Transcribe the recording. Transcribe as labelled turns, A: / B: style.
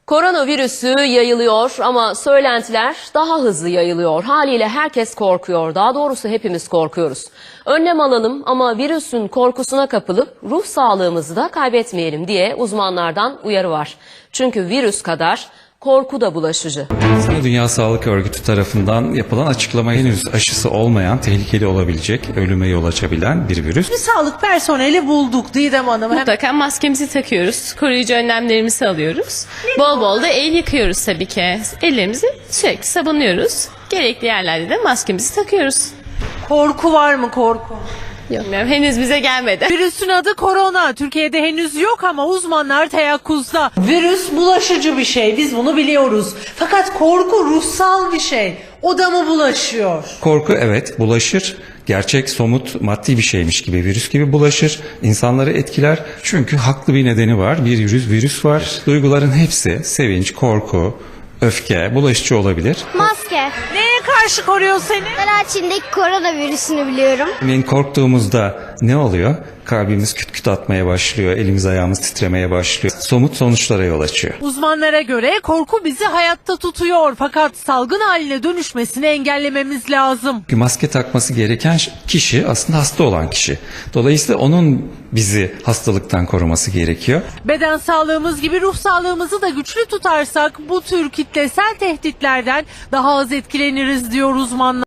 A: Koronavirüsü yayılıyor ama söylentiler daha hızlı yayılıyor. Haliyle herkes korkuyor. Daha doğrusu hepimiz korkuyoruz. Önlem alalım ama virüsün korkusuna kapılıp ruh sağlığımızı da kaybetmeyelim diye uzmanlardan uyarı var. Çünkü virüs kadar korku da bulaşıcı.
B: Dünya Sağlık Örgütü tarafından yapılan açıklama henüz aşısı olmayan, tehlikeli olabilecek, ölüme yol açabilen bir virüs.
C: Bir sağlık personeli bulduk Didem Hanım.
D: Mutlaka maskemizi takıyoruz, koruyucu önlemlerimizi alıyoruz. Bol bol da el yıkıyoruz tabii ki. Ellerimizi sürekli sabunluyoruz. Gerekli yerlerde de maskemizi takıyoruz.
C: Korku var mı korku?
D: Bilmiyorum, henüz bize gelmedi.
C: Virüsün adı korona. Türkiye'de henüz yok ama uzmanlar teyakkuzda. Virüs bulaşıcı bir şey. Biz bunu biliyoruz. Fakat korku ruhsal bir şey. O da mı bulaşıyor?
B: Korku evet bulaşır. Gerçek, somut, maddi bir şeymiş gibi, virüs gibi bulaşır. İnsanları etkiler. Çünkü haklı bir nedeni var. Bir virüs var. Duyguların hepsi, sevinç, korku, öfke, bulaşıcı olabilir.
E: Maske.
C: Neye karşı koruyor seni?
E: Ben Çin'deki koronavirüsünü biliyorum.
B: Örneğin korktuğumuzda ne oluyor? Kalbimiz küt küt atmaya başlıyor, elimiz ayağımız titremeye başlıyor. Somut sonuçlara yol açıyor.
C: Uzmanlara göre korku bizi hayatta tutuyor. Fakat salgın haline dönüşmesini engellememiz lazım.
B: Çünkü maske takması gereken kişi aslında hasta olan kişi. Dolayısıyla onun bizi hastalıktan koruması gerekiyor.
C: Beden sağlığımız gibi ruh sağlığımızı da güçlü tutarsak bu tür kitlesel tehditlerden daha az etkileniriz diyor uzmanlar.